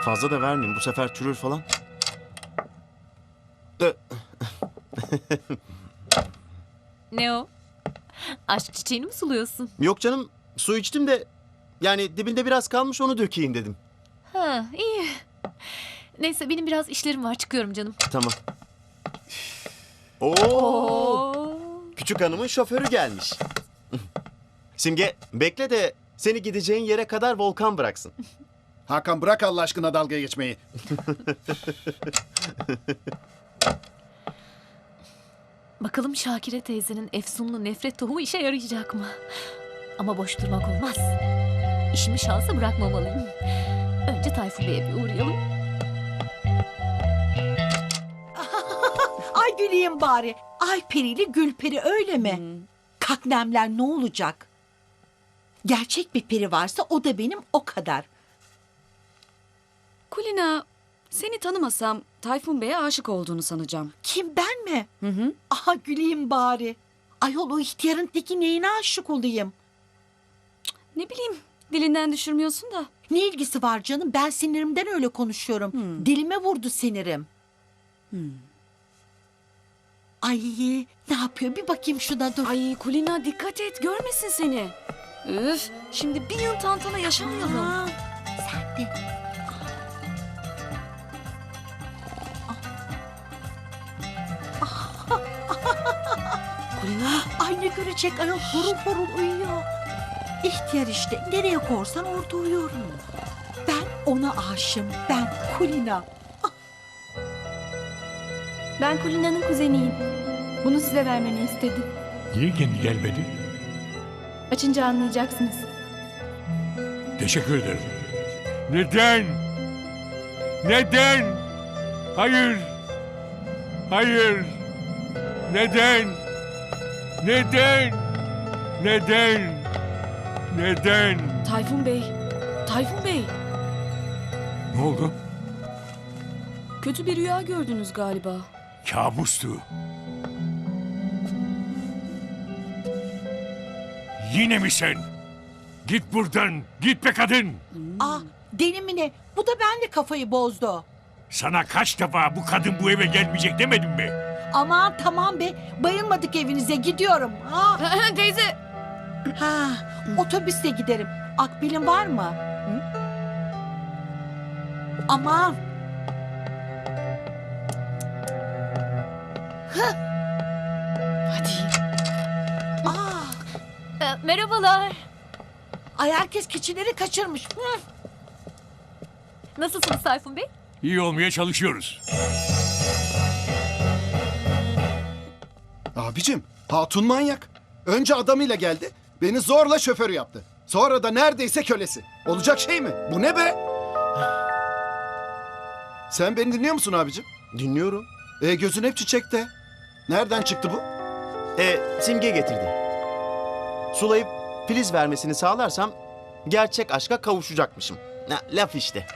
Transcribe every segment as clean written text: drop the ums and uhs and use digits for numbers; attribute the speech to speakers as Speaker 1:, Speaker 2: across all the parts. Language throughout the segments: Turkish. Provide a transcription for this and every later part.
Speaker 1: Fazla da vermeyeyim. Bu sefer çürür falan.
Speaker 2: Ne o? Aşk çiçeğini mi suluyorsun?
Speaker 1: Yok canım. Su içtim de yani dibinde biraz kalmış, onu dökeyim dedim.
Speaker 2: Ha, iyi. Neyse benim biraz işlerim var, çıkıyorum canım.
Speaker 1: Tamam. Oo,
Speaker 2: Oo.
Speaker 1: küçük hanımın şoförü gelmiş. Simge bekle de seni gideceğin yere kadar Volkan bıraksın.
Speaker 3: Hakan bırak Allah aşkına dalga geçmeyi.
Speaker 2: Bakalım Şakire teyzenin efsunlu nefret tohumu işe yarayacak mı? Ama boş durmak olmaz. İşimi şansa bırakmamalıyım. Önce Tayfun Bey'e bir uğrayalım.
Speaker 4: Ay güleyim bari. Ay perili gül peri öyle mi? Kaknemler ne olacak? Gerçek bir peri varsa o da benim o kadar.
Speaker 5: Kulina, seni tanımasam Tayfun Bey'e aşık olduğunu sanacağım.
Speaker 4: Kim, ben mi?
Speaker 5: Hı hı.
Speaker 4: Aha güleyim bari. Ayol o ihtiyarın teki neyine aşık olayım?
Speaker 5: Ne bileyim, dilinden düşürmüyorsun da.
Speaker 4: Ne ilgisi var canım? Ben sinirimden öyle konuşuyorum. Dilime vurdu sinirim. Ay ne yapıyor? Bir bakayım şuna dur.
Speaker 5: Ay Kulina dikkat et, görmesin seni. Üf, şimdi bir yıl tantana yaşamayalım.
Speaker 4: Aa, sen de.
Speaker 5: Kulina,
Speaker 4: Ay ne görecek ayol, horul horul uyuyor. İhtiyar işte, nereye korsan orada uyuyorum. Ben ona aşığım, ben Kulina.
Speaker 6: Ben Kulina'nın kuzeniyim. Bunu size vermeni istedim.
Speaker 7: Niye kendi gelmedi?
Speaker 6: Açınca anlayacaksınız.
Speaker 7: Teşekkür ederim. Neden? Neden? Hayır. Hayır. Neden? Neden? Neden? Neden?
Speaker 5: Tayfun Bey, Tayfun Bey.
Speaker 7: Ne oldu?
Speaker 5: Kötü bir rüya gördünüz galiba.
Speaker 7: Kabustu. Yine mi sen? Git buradan. Git be kadın.
Speaker 4: Aa, deli mi ne? Bu da benle kafayı bozdu.
Speaker 7: Sana kaç defa bu kadın bu eve gelmeyecek demedim mi?
Speaker 4: Aman tamam be, bayılmadık evinize, gidiyorum. Ha,
Speaker 5: Teyze.
Speaker 4: ha otobüste giderim. Akbil'in var mı? Hı? Aman.
Speaker 5: Hadi.
Speaker 4: Aa,
Speaker 2: Merhabalar.
Speaker 4: ay herkes keçileri kaçırmış. Hı.
Speaker 2: Nasılsınız Tayfun Bey?
Speaker 7: İyi olmaya çalışıyoruz.
Speaker 3: Abicim, hatun manyak. Önce adamıyla geldi, beni zorla şoför yaptı. Sonra da neredeyse kölesi. Olacak şey mi? Bu ne be? Sen beni dinliyor musun abicim?
Speaker 1: Dinliyorum.
Speaker 3: Gözün hep çiçekte. Nereden çıktı bu?
Speaker 1: Simge getirdi. Sulayıp filiz vermesini sağlarsam gerçek aşka kavuşacakmışım. Laf işte.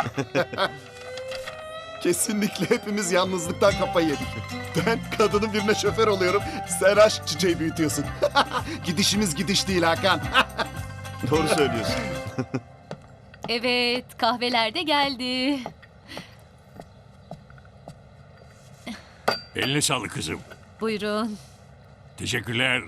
Speaker 3: Kesinlikle hepimiz yalnızlıktan kafayı yedik. Ben kadının birine şoför oluyorum. Sen aşk çiçeği büyütüyorsun. Gidişimiz gidiş değil Hakan.
Speaker 1: Doğru söylüyorsun.
Speaker 2: Evet, kahveler de geldi.
Speaker 7: Eline sağlık kızım.
Speaker 2: Buyurun.
Speaker 7: Teşekkürler.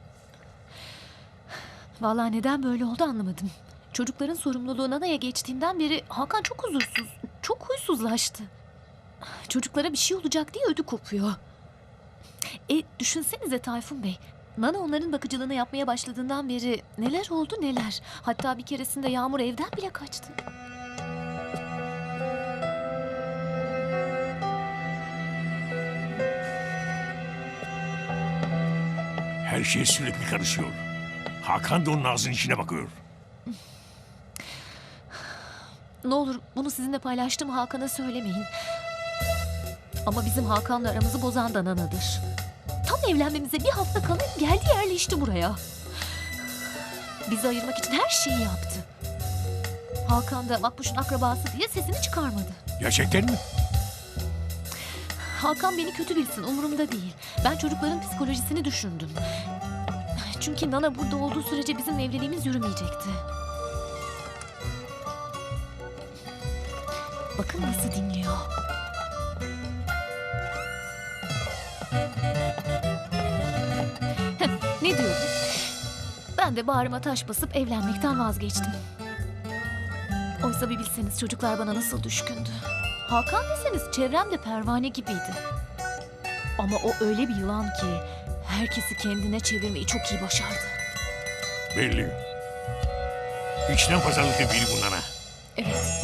Speaker 2: Vallahi neden böyle oldu anlamadım. Çocukların sorumluluğu Nana'ya geçtiğinden beri Hakan çok huzursuz, çok huysuzlaştı. Çocuklara bir şey olacak diye ödü kopuyor. Düşünsenize Tayfun Bey. Nana onların bakıcılığını yapmaya başladığından beri neler oldu neler. Hatta bir keresinde Yağmur evden bile kaçtı.
Speaker 7: Her şey sürekli karışıyor. Hakan da onun ağzının içine bakıyor.
Speaker 2: Ne olur bunu sizinle paylaştığım Hakan'a söylemeyin. Ama bizim Hakan'la aramızı bozan da Nana'dır. Tam evlenmemize bir hafta kala geldi yerleşti buraya. Bizi ayırmak için her şeyi yaptı. Hakan da Makbuş'un akrabası diye sesini çıkarmadı.
Speaker 7: Gerçekten mi?
Speaker 2: Hakan beni kötü bilsin, umurumda değil. Ben çocukların psikolojisini düşündüm. Çünkü Nana burada olduğu sürece bizim evliliğimiz yürümeyecekti. Bakın nasıl dinliyor. Ne diyorum? Ben de bağrıma taş basıp evlenmekten vazgeçtim. Oysa bir bilseniz çocuklar bana nasıl düşkündü. Hakan deseniz çevremde pervane gibiydi. Ama o öyle bir yılan ki herkesi kendine çevirmeyi çok iyi başardı.
Speaker 7: Belli. İçten pazarlıklı biri bunlara.
Speaker 2: Evet.